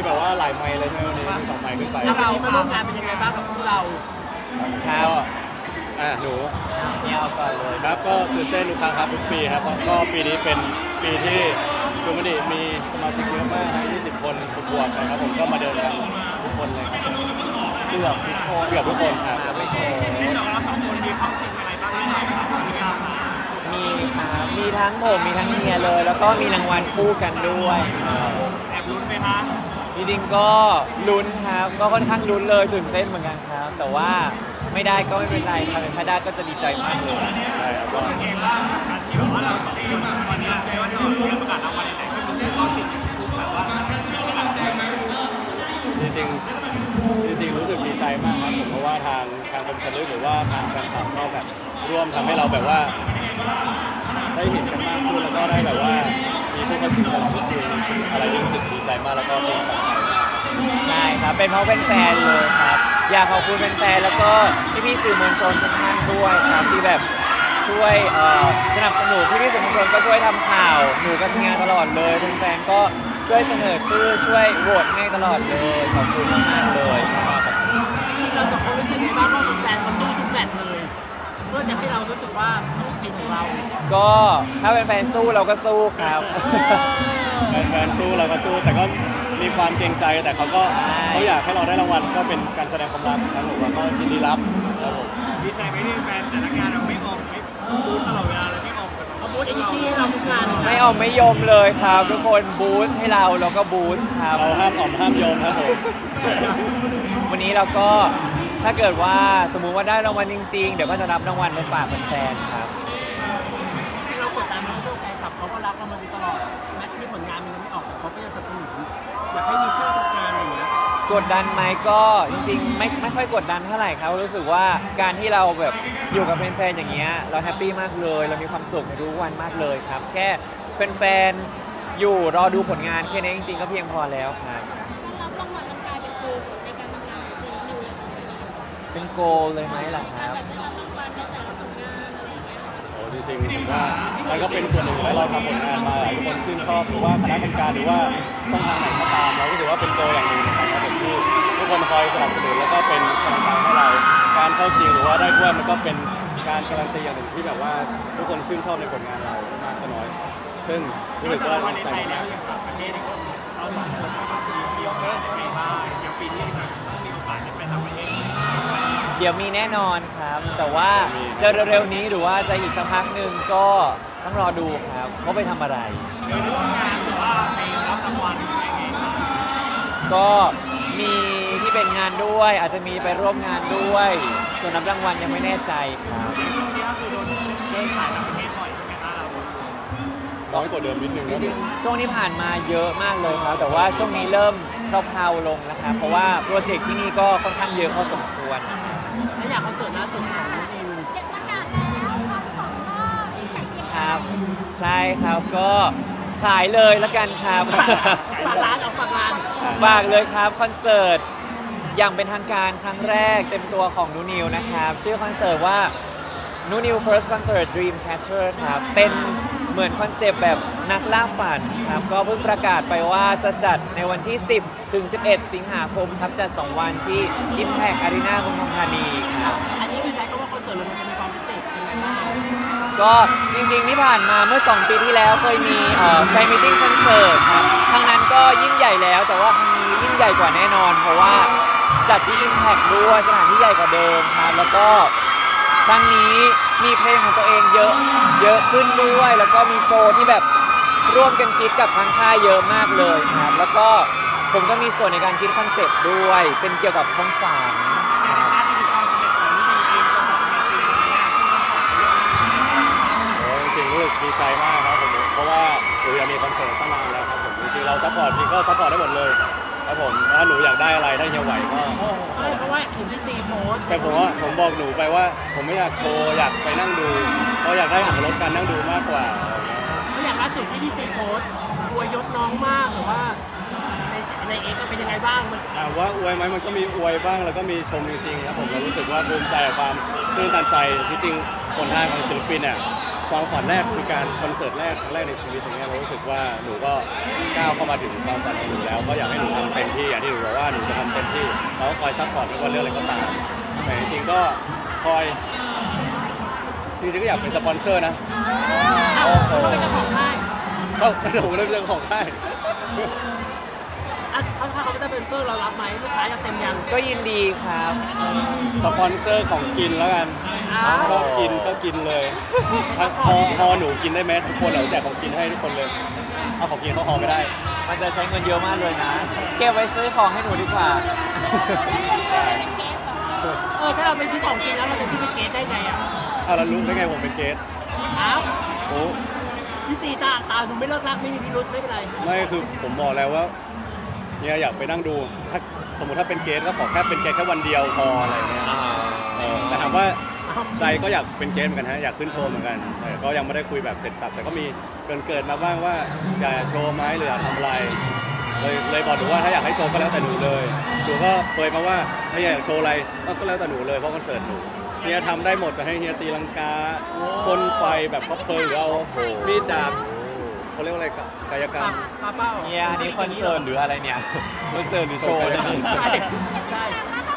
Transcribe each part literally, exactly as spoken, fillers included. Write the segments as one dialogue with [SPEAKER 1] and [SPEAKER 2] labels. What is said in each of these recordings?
[SPEAKER 1] แบบว่าหลายไมล์เลยใช่ไหมวันนี้มีสองไมล์ขึ้นไป
[SPEAKER 2] แล้วเรามาร่วมงานเป็นยังไงบ้างกับพวกเรา
[SPEAKER 1] ครับอ่ะหนู
[SPEAKER 3] เนี่ยเอาก่อนเลย
[SPEAKER 1] ครับก็ตื่นเต้นทุกครั้งครับทุกปีครับเพราะก็ปีนี้เป็นปีที่ดูมันดิมีสมาชิกเยอะมากนะยี่สิบคนบวกๆนะครับผมก็มาเดินกันทุกคนเลยครับ
[SPEAKER 3] เกือบทุกคน
[SPEAKER 1] เกือบทุกคนครับเกือบทุกคน
[SPEAKER 2] ที่สองเราสองคนมีเข้าชิงอะไรบ้างหรือเปล่าครับมีครับ
[SPEAKER 3] มีครับมีทั้งผมมีทั้งเฮียเลย แล้วก็มีรางวัลคู่กันด้วย
[SPEAKER 2] แอบลุ้นไหมคะ
[SPEAKER 3] จริงๆก็ลุ้นครับก็ค่อนข้างลุ้นเลยตื่นเต้นเหมือนกันครับ แต่ว่าไม่ได้ก็ไม่เป็นไรครับถ้าได้ก็จะดีใจมากเลย
[SPEAKER 1] ใช่ครับก็
[SPEAKER 2] รู้สึกเองว่าการที่แบบว่าเราสองคนวันนี้ไม่ว่าจะเป็นเรื่องประกาศรางวัลไหนๆก็มีชื่อเข้าชิงแบบว่าชื่อประกาศ
[SPEAKER 1] จริงๆจริงๆรู้สึกดีใจมากครับผมเพราะว่าทางทางคนสลึกหรือว่าทางแฟนคลับก็แบบร่วมทำให้เราแบบว่า ได้เห็นกันมากขึ้นแล้วก็ได้แบบว่ามีผู้เข้าชิงตลอดทุกปีอะไรที่รู้สึกดีใจมากแล้วก็เป็นกำลังใจ
[SPEAKER 3] ใช่ครับเป็นเพราะเป็นแฟนเลยครับอยากขอบคุณแฟนๆแล้วก็พี่ๆสื่อมวลชนทุกท่านด้วยครับที่แบบช่วยเอ่อสนับสนุนพี่ๆสื่อมวลชนก็ช่วยทำข่าวหนูกับทีมงานตลอดเลยแฟนๆก็ช่วยเสนอชื่อช่วยโหวตให้ตลอดเลยขอบคุณมากๆเลยครับ
[SPEAKER 2] จริงๆเราสองคนรู้สึกยังไงบ้างว่าแฟนๆเขาสู้ทุกแมตช์เลยเพื่อจะให้เรารู้สึกว่าต้องเป็นของเรา
[SPEAKER 3] ก็ถ้าเป็นแฟนสู้เราก็สู้ครับ
[SPEAKER 1] แฟนๆสู้เราก็สู้แต่ก็มีความเกรงใจแต่เขาก็
[SPEAKER 3] ใช่
[SPEAKER 1] เขาอยากให้เราได้รางวัลก็เป็นการแสดงความรักครับผมแล้วก็ยินดีรับครับผม
[SPEAKER 2] ดีใจไหมที่แฟนแต่ละงานเราไม่ออกไม่บูธตลอดเวลาเลยไม่ออกแบบเขาบูธเอเนจีให้เราทุกงานเลย
[SPEAKER 3] ไม่ออกไม่ยมเลยครับทุกคนบูสต์ให้เราแล้วก็บูสต์ครับ
[SPEAKER 1] เราห้ามอ่อมห้ามโยมครับผม
[SPEAKER 3] วันนี้เราก็ถ้าเกิดว่าสมมุติว่าได้รางวัลจริงๆ เดี๋ยวก็จะรับรางวัลมาฝากแฟนๆครับ
[SPEAKER 2] ที่เรากดดันเพราะว่าแฟนคลับเขาก็รักเรามาโดยตลอดแม้ที่ผลงานมันยังไม่ออกแต่เขาก็ยังสนับสนุนอยากให้มีชื่อทุกงานอย่างเงี้ย
[SPEAKER 3] กดดันไหมก็จริงๆไม่ไม่ค่อยกดดันเท่าไหร่ครับรู้สึกว่าการที่เราแบบอยู่กับแฟนๆอย่างเงี้ยเราแฮปปี้มากเลย เรามีความสุขในทุกวันมากเลยครับ แค่แฟนๆอยู่รอดูผลงานแค่นี้จริงๆก็เพียงพอแล้วครับ
[SPEAKER 4] รับรางวัลมันกลายเป็นโกลในการทำงานของซีนิวอย่างไร
[SPEAKER 3] เป็นโกลเลยไหมล่ะครับ
[SPEAKER 4] แบบได้รับรางวัลในแต่ละผลงานอะไรอย่างเงี้ย
[SPEAKER 1] โอ้จริงๆผมว่ามันก็เป็นส่วนหนึ่งที่เราทำผลงานมาทุกคนชื่นชอบหรือว่าคณะกรรมการหรือว่าช่องทางไหนก็ตามเรารู้สึกว่าเป็นโกอย่างหนึ่งนะครับผมที่ทุกคนคอยสนับสนุนแล้วก็เป็นกำลังใจให้เราการเข้าชิงหรือว่าได้ถ้วยมันก็เป็นการการันตีอย่างหนึ่งที่แบบว่าทุกคนชื่นชอบในผลงานเรามากก็น้อย ซึ่งรู้สึกว่า
[SPEAKER 2] วัน
[SPEAKER 1] ดี
[SPEAKER 2] ใน
[SPEAKER 1] ใจ
[SPEAKER 2] ไทยแล้ว
[SPEAKER 1] มาก
[SPEAKER 2] อย่างต่างประเทศเราสองคนก็แบบมีโอกาสได้ไปบ้างอย่างปีนี้จะมีโอกาสได้ไปต่างประเทศ
[SPEAKER 3] เดี๋ยวมีแน่นอนครับ แต่ว่าจะเร็วๆนี้หรือว่าจะอีกสักพักหนึ่งก็ต้องรอดูครับว่าไปทำอะไร
[SPEAKER 2] โดยร่วมงานหรือว่าไปรับรางวัลยังไงบ้าง
[SPEAKER 3] ก็มีที่เป็นงานด้วย อาจจะมีไปร่วมงานด้วย ส่วนนับรางวัลยังไม่แน่ใจครับ
[SPEAKER 2] ช่วงนี้ก็คือโดนเล่นสายต่างประเทศบ่อยใช่ไหมคะเรา
[SPEAKER 1] น้อยกว่าเดิมนิดนึง
[SPEAKER 3] จ
[SPEAKER 1] นะ
[SPEAKER 3] ริงๆช่วงที่ผ่านมาเยอะมากเลยครับ แต่ว่าช่วงนี้เริ่มเพลาๆลงนะครับ เพราะว่าโปรเจกต์ที่นี่ก็ค่อนข้างเยอะพอสมควร
[SPEAKER 2] และอย่างคอนเสิร์ตล่าสุดของนิว
[SPEAKER 4] เด็กประกาศแล้วคอนสองรอบที่ไก่เกียรติ
[SPEAKER 3] ครับ ใช่ครับก็ขายเลยละกันครับ
[SPEAKER 2] ฝากร้านเอาฝากร้าน
[SPEAKER 3] ฝากเลยครับคอนเสิร์ตอย่างเป็นทางการครั้งแรกเต็มตัวของนูนิวนะครับ ชื่อคอนเสิร์ตว่านูนิว First Concert Dream Catcher ครับ เป็นเหมือนคอนเซปต์แบบนักล่าฝันครับ ก็เพิ่งประกาศไปว่าจะจัดในวันที่ สิบ ถึง สิบเอ็ด สิงหาคมครับ จัด สอง วันที่ Impact Arena เมืองทองธานีครับ
[SPEAKER 2] อันนี้คือใช้คำว่าคอนเสิร์ตมันมีความพิเศษยังไงบ้าง
[SPEAKER 3] ก็จริงๆที่ผ่านมาเมื่อ สอง ปีที่แล้วเคยมีเอ่อแฟนมิทติ้งคอนเสิร์ตครับครั้งนั้นก็ยิ่งใหญ่แล้ว แต่ว่าครั้งนี้ยิ่งใหญ่กว่าแน่นอน เพราะว่าจัดที่ Impact ด้วยสถานที่ใหญ่กว่าเดิมครับแล้วก็ครั้งนี้มีเพลงของตัวเองเยอะเยอะขึ้นด้วย แล้วก็มีโชว์ที่แบบร่วมกันคิดกับทางค่ายเยอะมากเลยครับแล้วก็ผมก็มีส่วนในการคิดคอนเซ็ปต์ด้วย เป็นเกี่ยวกับท้องฟ้า
[SPEAKER 2] แต่ในพาร์ทที่ถึงความสำเร็จของนิวเองตัวของเมซีตอนนี้ช่วงคอนเสิร์ตเรื่องนี้
[SPEAKER 1] โอ้จริงๆรู้สึกดีใจมากครับผมเพราะว่าหนูอยากมีคอนเสิร์ตตั้งนานแล้วครับผมจริงๆเราซัพพอร์ตพี่ก็ซัพพอร์ตได้หมดเลยครับผมถ้าหนูอยากได้อะไรถ้าเฮียไหวก็
[SPEAKER 2] ไม่เพราะว่าเห็นพี่ซีโพสต์
[SPEAKER 1] แต่ผมว่าผมบอกหนูไปว่า ผมไม่อยากโชว์อยากไปนั่งดูเพราะอยากได้อ่านรถการนั่งดูมากกว่า
[SPEAKER 2] แล้วอย่างล่าสุดที่พี่ซีโพสต์อวยยศน้องมากหรือว่าในในเอ็กซ์เป็นยังไงบ้างมัน
[SPEAKER 1] ถามว่าอวยไหมมันก็มีอวยบ้างแล้วก็มีชมจริงๆครับผมเรารู้สึกว่าภูมิใจกับความตื้นตันใจที่จริงผลงานของศิลปินเนี่ยความฝันแรกคือการคอนเสิร์ตแรกครั้งแรกในชีวิตอย่างเงี้ยเรารู้สึกว่าหนูก็ก้าวเข้ามาถึงความฝันของหนูแล้วก็อยากให้หนูทำเต็มที่อย่างที่หนูบอกว่าหนูจะทำเต็มที่เราก็คอยซัพพอร์ตไม่ว่าเรื่องอะไรก็ตามแต่จริงๆก็คอยจริงๆก็อยากเป็นสปอนเซอร์นะ
[SPEAKER 2] อ้าวเขาเป็นเจ้าของค่าย
[SPEAKER 1] ก็หนูเริ่มเรื่องของค่าย
[SPEAKER 2] อ่ะเขาถ้าเขาเป็นสปอนเซอร์เรารับไหมลูกค้าจะเต็มยัง
[SPEAKER 3] ก็ยินดีครับ
[SPEAKER 1] สปอนเซอร์ของกินแล้วกัน
[SPEAKER 2] อ้าว
[SPEAKER 1] ชอบกินก็กินเลยถ้าพอพอหนูกินได้ไหมทุกคนเราแจกของกินให้ทุกคนเลยเอาของกินเขาหอไม่ได้
[SPEAKER 3] มันจะใช้เงินเยอะมากเลยนะ เก็บไว้ซื้อของให้หนูดีกว่า
[SPEAKER 2] เออถ้าเราไปซื้อของจริงแล้วเราจะขึ้นเป็นเกสได้ไงอ่ะ
[SPEAKER 1] เอาแล้วรู้ได้ไงผมเป็นเกส
[SPEAKER 2] อ้าว
[SPEAKER 1] โอ้
[SPEAKER 2] พี่ซีตาตาดูไม่เลิกรักไม่มีพิรุธไม่เป็นไร
[SPEAKER 1] ไม่คือผมบอกแล้วว่าเนี่ยอยากไปนั่งดูถ้าสมมติถ้าเป็นเกสก็ขอแค่เป็นเกสแค่วันเดียวพออะไรเงี้ยเออแต่ถามว่าใจก็อยากเป็นเกสเหมือนกันฮะอยากขึ้นโชว์เหมือนกันแต่ก็ยังไม่ได้คุยแบบเสร็จสับแต่ก็มีเกินเกิดมาบ้างว่าอยากจะโชว์ไหมหรืออยากทำอะไรเลยเลยบอกหนูว่าถ้าอยากให้โชว์ก็แล้วแต่หนูเลยหนูก็เปยมาว่าถ้าอยากโชว์อะไรก็แล้วแต่หนูเลยเพราะคอนเสิร์ตหนูเฮียทำได้หมดจะให้เฮียตีลังกาพ่นไฟแบบคอปเพลิงหรือเอามีดดาบเขาเรียกว่าอะไรกายกรรม
[SPEAKER 2] ปาเป้า
[SPEAKER 3] เนี่ยอันนี้คอนเสิร์ตหรืออะไรเนี่ย คอนเสิร์ตหรือโชว์เนี่ย
[SPEAKER 2] ใช่ใช่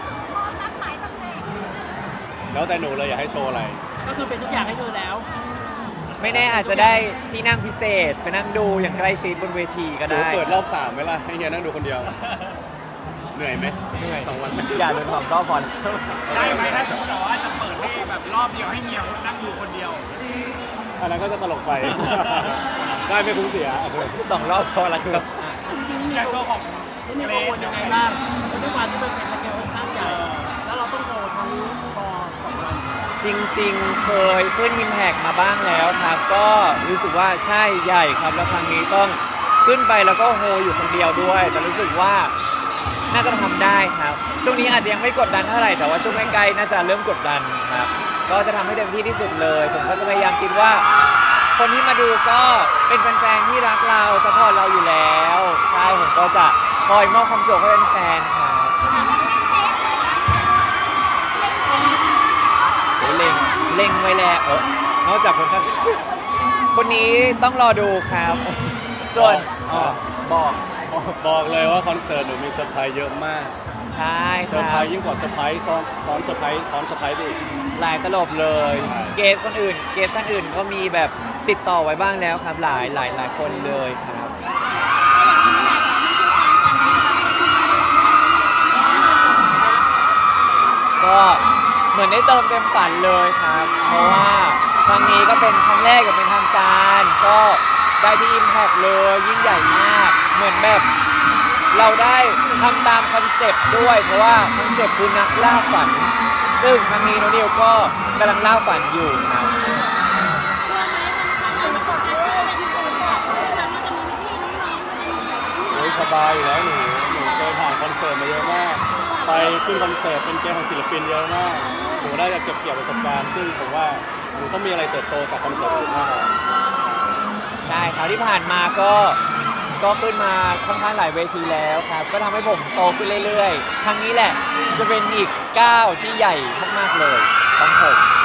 [SPEAKER 1] แล้วแต่หนูเลยอยากให้โชว์อะไร
[SPEAKER 2] ก็คือเป็นทุกอย่างให้เธอแล้ว
[SPEAKER 3] ไม่แน่อาจจะได้ที่นั่งพิเศษไปนั่งดูอย่างใกล้ชิดบนเวทีก็
[SPEAKER 1] หนู
[SPEAKER 3] ได้
[SPEAKER 1] เปิดรอบสามไหมล่ะให้เฮียนั่งดูคนเดียว เหนื่อยไหม
[SPEAKER 3] เหนื่อย
[SPEAKER 1] สองวันไหม
[SPEAKER 3] อย่าโดนความรอบบอล
[SPEAKER 5] ได้ไหมถ้าสมมติว่าจะเปิดให้แบบรอบเดียวให้เงียบนั่งดูคนเดียว
[SPEAKER 1] อันนั้นก็จะตลกไป ได้ไม่คุ้มเสีย
[SPEAKER 3] สองรอบพอแล้วครับ
[SPEAKER 5] อย่างตัวของ
[SPEAKER 2] ที่มีกังวลยังไงบ้างเพราะด้วยความที่มันเป็นสเกลค่อนข้างใหญ่ แล้วเราต้องโทรทั้งปอสองวัน
[SPEAKER 3] จริงๆ เคยขึ้น Impact มาบ้างแล้วครับ ก็รู้สึกว่าใช่ใหญ่ครับ แล้วครั้งนี้ต้องขึ้นไปแล้วก็โฮอยู่คนเดียวด้วย แต่รู้สึกว่าน่าจะทำได้ครับ ช่วงนี้อาจจะยังไม่กดดันเท่าไหร่ แต่ว่าช่วงใกล้ๆน่าจะเริ่มกดดันครับ ก็จะทำให้เต็มที่ที่สุดเลย ผมก็จะพยายามคิดว่า คนที่มาดูก็เป็นแฟนๆ ที่รักเราซัพพอร์ตเราอยู่แล้ว ใช่ ผมก็จะคอยมอบความสุขให้แฟนๆ ครับโอ้เล็งเล็งไว้แล้วเออนอกจากคนข้างคนนี้ต้องรอดูครับ ส่วนอ๋อบอก
[SPEAKER 1] บอกเลยว่าคอนเสิร์ตหนูมีเซอร์ไพรส์เยอะมาก
[SPEAKER 3] ใช่ค
[SPEAKER 1] เซอร์ไพร
[SPEAKER 3] รับ
[SPEAKER 1] ส์ยิ่งกว่าเซอร์ไพรส์ซ้อนซ้อนเซอร์ไพรส์ซ้อนเซอร์ไพรส์ไปอีก
[SPEAKER 3] หลายตลบเลย เกสคนอื่น เกสท่านอื่นก็มีแบบติดต่อไว้บ้างแล้วครับ หลายหลายหลายคนเลยครับ ก็เหมือนได้เติมเต็มฝันเลยครับ เพราะว่าครั้งนี้ก็เป็นครั้งแรกกับเป็นทางการ ก็ได้ที่ Impact เลยยิ่งใหญ่มาก เหมือนแบบเราได้ทำตามคอนเซปต์ด้วย เพราะว่าคอนเซปต์คือนักล่าฝัน ซึ่งครั้งนี้น้องนิวก็กำลังล่าฝันอยู่ครับ
[SPEAKER 4] กลัวไหมมันทำให้กดดันไปที่อื่นแบบทำว่าจะมีพี่ๆน้องๆอะไรอย่างเงี้ย
[SPEAKER 1] โอ้ยสบายอยู่แล้วหนูหนูเคยผ่านคอนเสิร์ตมาเยอะมาก ไปขึ้นคอนเสิร์ตเป็นเกมของศิลปินเยอะมากหนูได้จะเก็บเกี่ยวประสบการณ์ ซึ่งผมว่าหนูต้องมีอะไรเติบโตจากคอนเสิร์ตอื่นมากกว่า
[SPEAKER 3] ใช่ครับที่ผ่านมาก็ก็ขึ้นมาค่อนข้างหลายเวทีแล้วครับ ก็ทำให้ผมโตขึ้นเรื่อยๆ ครั้งนี้แหละจะเป็นอีกก้าวที่ใหญ่มากๆเลยของผม